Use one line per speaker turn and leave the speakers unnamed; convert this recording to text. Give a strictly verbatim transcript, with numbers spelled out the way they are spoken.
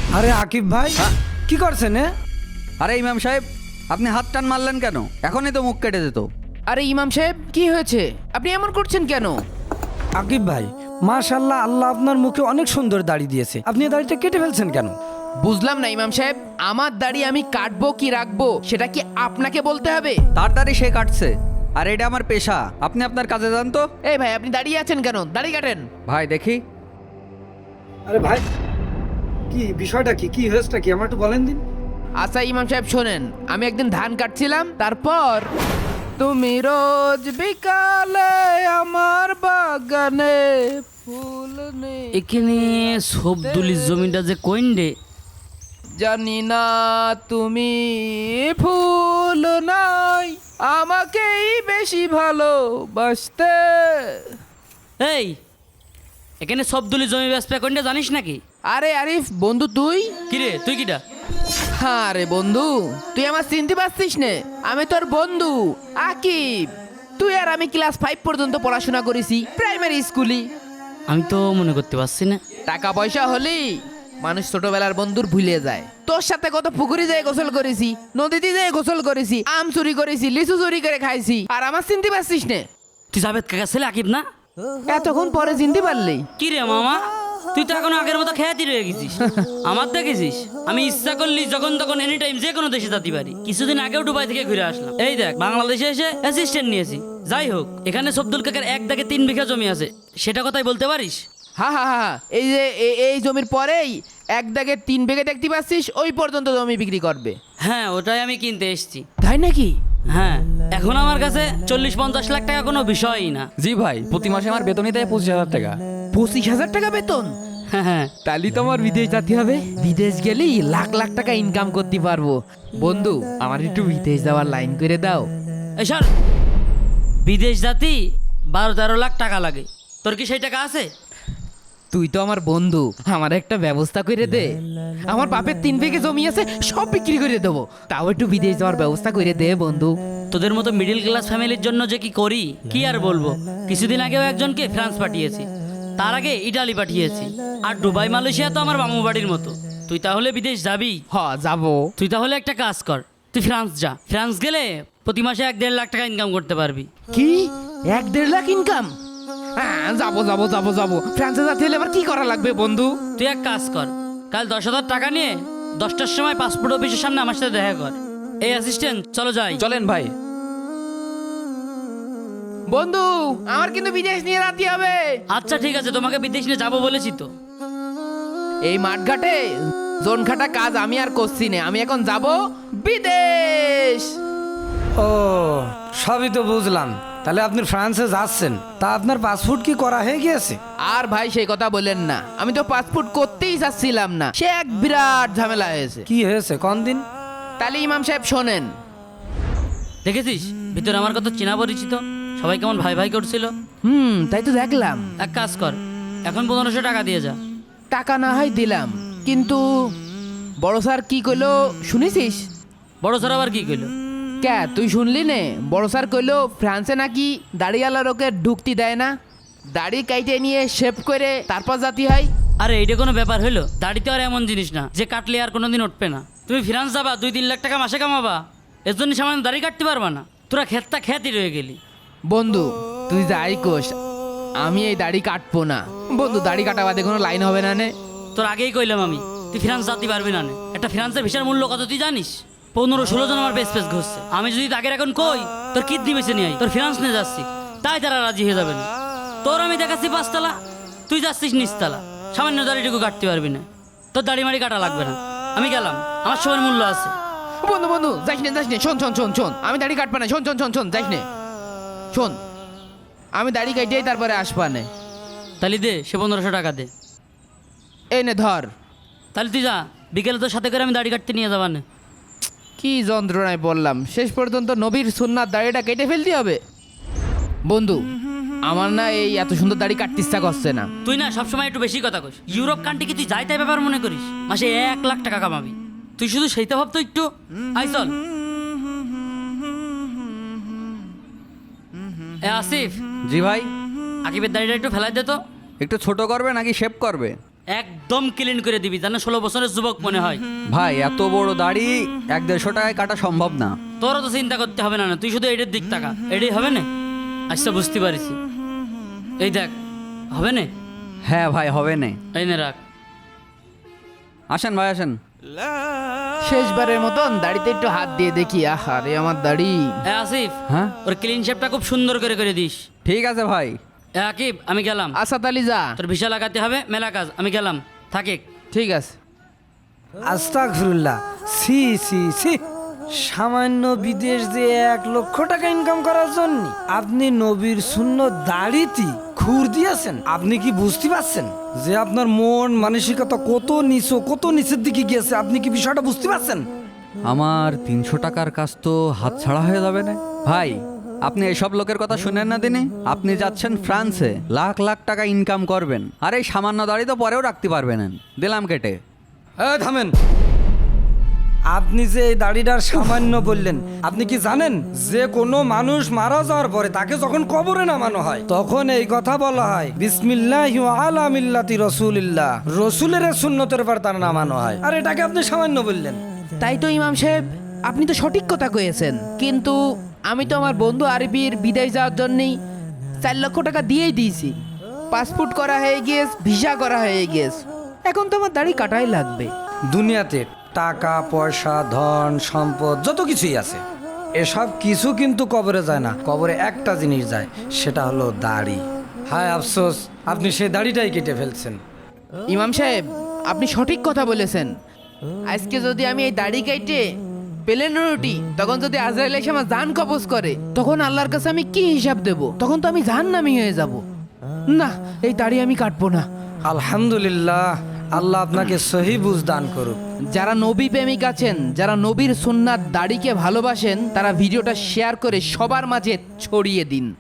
আরে আকিব ভাই কি করছেন? এ
আরে ইমাম সাহেব, আপনি হাত টান মারলেন কেন? এখনই তো মুখ কেটে যেত।
আরে ইমাম সাহেব কি হয়েছে? আপনি এমন করছেন কেন?
আকিব ভাই, মাশাআল্লাহ, আল্লাহ আপনার মুখে অনেক সুন্দর দাড়ি দিয়েছে, আপনি এই দাড়িটা কেটে ফেলছেন কেন?
বুঝলাম না ইমাম সাহেব, আমার দাড়ি আমি কাটবো কি রাখবো সেটা কি আপনাকে বলতে হবে?
তার দাড়ি সে কাটছে, আর এটা আমার পেশা। আপনি আপনার কাজে যান তো।
এই ভাই, আপনি দাঁড়িয়ে আছেন কেন? দাড়ি কাটেন।
ভাই দেখি।
আরে ভাই, কি বিষয়টা কি কি হয়েছেটা কি আমার একটু বলেন দিন।
আচ্ছা ইমাম সাহেব শোনেন, আমি একদিন ধান কাটছিলাম, তারপর তুমি রোজ বিকালে আমার বাগানে ফুল নেই।
এখানে সবদুলির জমিটা যে কইন রে?
জানি না তুমি ফুল নাই আমাকেই বেশি ভালোবাসতে।
এই এখানে সবদুলির জমি ব্যবসা কইনটা জানিস নাকি?
আরে আরিফ বন্ধু, তুই
কিরে তুই কিটা?
হ্যাঁ রে বন্ধু, তুই আমার চিনতে পারছিস নে? আমি তোর বন্ধু আকিব। তুই আর আমি ক্লাস ফাইভ পর্যন্ত পড়াশোনা করেছি প্রাইমারি স্কুলে।
আমি তো মনে করতে পারছি না।
টাকা পয়সা হলেই মানুষ ছোটবেলার বন্ধুর ভুলে যায়। তোর সাথে কত পুকুরে যেয়ে গোসল করেছি, নদীতে যেয়ে গোসল করেছি, আম চুরি করেছি, লিচু চুরি করে খাইছি, আর আমার চিনতে পারছিস নে?
তুই জাভেদ কাকা ছেলে আকিব না?
এতক্ষণ পরে চিনতে পারলি?
কি রে মামা, তুই তো এখন আগের মতো খেয়াতি রয়ে গেছিস। আমার দেখেছিস আমি ইচ্ছা করলি যখন তখন এনি টাইম যে কোনো দেশে যেতে পারি। কিছুদিন আগেও দুবাই থেকে ঘুরে আসলাম। এই দেখ, বাংলাদেশে এসে অ্যাসিস্ট্যান্ট নিয়েছি। যাই হোক, এখানে সবদুল কাকার এক দাগে তিন বিঘা জমি আছে, সেটা কথাই বলতে পারিস?
হ্যাঁ হ্যাঁ হ্যাঁ, এই যে এ- এই জমির পরেই এক দাগে তিন বিঘে দেখতে পাচ্ছিস, ওই পর্যন্ত জমি বিক্রি করবে।
হ্যাঁ, ওটাই আমি কিনতে এসেছি।
তাই নাকি?
হ্যাঁ, এখন আমার কাছে চল্লিশ পঞ্চাশ লাখ টাকা কোনো বিষয়ই না।
জি ভাই, প্রতি মাসে আমার বেতনই দেয় পঁচিশ হাজার টাকা।
পঁচিশ হাজার টাকা বেতন?
হ্যাঁ হ্যাঁ,
তাহলে তো আমার বিদেশ যেতে হবে। বিদেশ গেলেই লাখ লাখ টাকা ইনকাম করতে পারবো। বন্ধু, আমার একটু বিদেশ যাওয়ার লাইন করে দাও।
এসব বিদেশ জাতি বারো তেরো লাখ টাকা লাগে। তোর কি সেই টাকা আছে?
তুই তো আমার বন্ধু, আমার একটা ব্যবস্থা করে দে। আমার বাপের তিন বিঘে জমি আছে, সব বিক্রি করে দেবো, তাও একটু বিদেশ যাওয়ার ব্যবস্থা করে দে বন্ধু।
তোদের মতো মিডিল ক্লাস ফ্যামিলির জন্য যে কি করি কি আর বলবো। কিছুদিন আগেও একজনকে ফ্রান্স পাঠিয়েছি, তার আগে ইটালি পাঠিয়েছি, আর দুবাই মালয়েশিয়া তো আমার মামু বাড়ির মতো। তুই তাহলে বিদেশ যাবি?
হ যাবো।
তুই তাহলে একটা কাজ কর, তুই ফ্রান্স যা। ফ্রান্স গেলে প্রতি মাসে এক দেড় লাখ টাকা ইনকাম করতে পারবি।
কি এক দেড় লাখ ইনকাম? হ্যাঁ যাবো যাবো যাবো যাবো। ফ্রান্সে যেতে হলে আবার কি করা লাগবে বন্ধু?
তুই এক কাজ কর, কাল দশ হাজার টাকা নিয়ে দশটার সময় পাসপোর্ট অফিসের সামনে আমার সাথে দেখা কর। এই অ্যাসিস্ট্যান্ট, চলো যাই।
চলেন ভাই।
বন্ধু, আমার কিন্তু বিদেশ নিয়ে যেতে হবে।
আচ্ছা ঠিক আছে, তোমাকে বিদেশ নিয়ে যাবো বলেছি তো।
এই মাঠঘাটে জোন খাটা কাজ আমি আর করছি না, আমি এখন যাব বিদেশ।
ও, সবই তো বুঝলাম, তাহলে আপনি ফ্রান্সে যাচ্ছেন, তা আপনার পাসপোর্ট কি করা হয়ে গিয়েছে?
আর ভাই সেই কথা বলেন না, আমি তো পাসপোর্ট করতেই চাচ্ছিলাম না, সে এক বিরাট ঝামেলা হয়েছে।
কি হয়েছে কোন দিন?
তাহলে ইমাম সাহেব শোনেন।
দেখেছিস ভিতরে আমার কত চেনা পরিচিত, সবাই কেমন ভাই ভাই করছিল।
হুম, তাই তো দেখলাম।
এক কাজ কর, এখন পনেরোশো টাকা দিয়ে যা।
টাকা না হয় দিলাম, কিন্তু বড় স্যার কি কইলো শুনেছিস?
বড় স্যার আবার কি কইলো?
কে তুই শুনলি নে? বড় স্যার কইলো ফ্রান্সে নাকি দাড়িওয়ালা লোকে ঢুকতে দেয় না, দাড়ি কাইটে নিয়ে শেভ করে তারপর জাতি হয়।
আরে এইটা কোনো ব্যাপার হইলো? দাড়িতে আর এমন জিনিস না যে কাটলে আর কোনোদিন উঠবে না। তুমি ফ্রান্স যাবা, দুই তিন লাখ টাকা মাসে কামাবা, এর জন্য সামান্য দাড়ি কাটতে পারবা না? তোরা খেতটা খ্যাতি রয়ে গেলি।
বন্ধু তুই যাই কোস, আমি এই দাড়ি কাটবো না বন্ধু। দাড়ি কাটা বাদে কোনো লাইন হবে না নে?
তোর আগেই কইলাম আমি, তুই ফ্রান্স যাতে পারবি না নে। একটা ফ্রান্সের ভিসার মূল্য কত তুই জানিস? পনেরো ষোলো জন আমার বেশ বেশ ঘুরছে। আমি যদি আগের এখন কই তোর কিডনি বেছে নিয়ে আই, তোর ফ্রান্স নিয়ে যাচ্ছি, তাই তারা রাজি হয়ে যাবে না। তোর আমি দেখাচ্ছি পাঁচতলা, তুই যাচ্ছিস নিচতলা, সামান্য দাড়িটুকু কাটতে পারবি না। তোর দাড়ি মাড়ি কাটা লাগবে না, আমি গেলাম, আমার সময়ের মূল্য আছে।
বন্ধু বন্ধু যাইস নে যাইস নে, শোন শোন শোন শোন, আমি দাড়ি কাটবা না, শোন শোন শোন শোন, যাইস নে, শোন, আমি দাড়ি কাটিয়েই তারপরে আসবা নে।
তাহলে দে, সে পনেরোশো টাকা দে।
এই নে ধর।
তাহলে তুই যা, বিকেলে তোর সাথে করে আমি দাড়ি কাটতে নিয়ে যাবা না।
কি যন্ত্রণায় বললাম, শেষ পর্যন্ত নবীর সুন্নাত দাড়িটা কেটে ফেলতে হবে। বন্ধু, আমার না এই এত সুন্দর দাড়ি কাটতে ইচ্ছা করছে না।
তুই না সবসময় একটু বেশি কথা কইস। ইউরোপ কান্ট্রি কি তুই যাই তাই ব্যাপার মনে করিস? মাসে এক লাখ টাকা কামাবি, তুই শুধু সেইটা ভাবতো একটু। আই চল। এ আসিফ,
জি ভাই।
আকিবের দাড়িটা একটু ফেলাই দে তো।
একটু ছোট করবে নাকি শেভ করবে?
একদম ক্লিন করে দিবি জানা ষোলো বছরের যুবক মনে হয়।
ভাই এত বড় দাড়ি এক দেড়শো টাকায় কাটা সম্ভব না।
তোরও তো চিন্তা করতে হবে না না, তুই শুধু এটার দিক টাকা, এটাই হবে না। আচ্ছা বুঝতে পারিছি, এই দেখ হবে না।
হ্যাঁ ভাই হবে না।
এই নে রাখ।
আসেন ভাই আসেন।
শেষবারের মতন দাড়িতে একটু হাত দিয়ে দেখি। আহা রে আমার দাড়ি।
এ আসিফ,
হ্যাঁ
ওর ক্লিন শেপটা খুব সুন্দর করে করে দিস।
ঠিক আছে ভাই।
এ আকিব, আমি গেলাম।
আসাদ আলী যা।
তোর ভিসা লাগাতে হবে, মেলা কাজ, আমি গেলাম। থাকে।
ঠিক আছে।
আস্তাগফিরুল্লাহ, সি সি সি, সামান্য বিদেশ যে এক লক্ষ টাকা ইনকাম করার জন্য আপনি নবীর সুন্নত দাড়িতে খুর দিয়েছেন। আপনি কি বুঝতে পারছেন যে আপনার মন মানসিকতা কত নিচু, কত নিচের দিকে গিয়েছে? আপনি কি বিষয়টা বুঝতে পারছেন?
আমার তিনশো টাকার কাজ তো হাত ছাড়া হয়ে যাবে না ভাই। আপনি এসব লোকের কথা শুনেন না দিনে। আপনি যাচ্ছেন ফ্রান্সে, লাখ লাখ টাকা ইনকাম করবেন, আর এই সামান্য দাড়ি তো পরেও রাখতে পারবেন। দিলাম কেটে।
এই থামেন। আপনি যে এই দাড়িটার সামান্য বললেন, আপনি কি জানেন যে কোনো মানুষ মারা যাওয়ার পরে তাকে যখন কবরে নামানো হয় তখন এই কথা বলা হয়, বিসমিল্লাহি ওয়া আলা মিল্লাতি রাসূলিল্লাহ, রসুলের সুন্নতের পর তার নামানো হয়। আর এটাকে আপনি সামান্য বললেন।
তাই তো ইমাম সাহেব, আপনি তো সঠিক কথা কয়েছেন, কিন্তু আমি তো আমার বন্ধু আরবির বিদেশ যাওয়ার জন্যই চার লক্ষ টাকা দিয়েই দিয়েছি। পাসপোর্ট করা হয়ে গিয়েছে, ভিসা করা হয়ে গিয়েছে, এখন তো আমার দাড়ি কাটাই লাগবে।
দুনিয়াতে টাকা পয়সা ধন সম্পদ যত কিছুই আছে, এসব কিছু কিন্তু কবরে যায় না। কবরে একটা জিনিস যায়, সেটা হলো দাড়ি। হায় আফসোস, আপনি সেই দাড়িটাই কেটে ফেলছেন।
ইমাম সাহেব, আপনি সঠিক কথা বলেছেন। আজকে যদি আমি এই দাড়ি কেটে পেলেন রুটি, তখন যদি আজরাইল এসে আমার জান কবজ করে, তখন আল্লাহর কাছে আমি কি হিসাব দেব? তখন তো আমি জাহান্নামী হয়ে যাব। না, এই দাড়ি আমি কাটবো না।
আলহামদুলিল্লাহ, আল্লাহ আপনাকে সহি বুঝ দান করুক।
যারা নবী প্রেমিক আছেন, যারা নবীর সুন্নাত দাড়িকে ভালোবাসেন, তারা ভিডিওটা শেয়ার করে সবার মাঝে ছড়িয়ে দিন।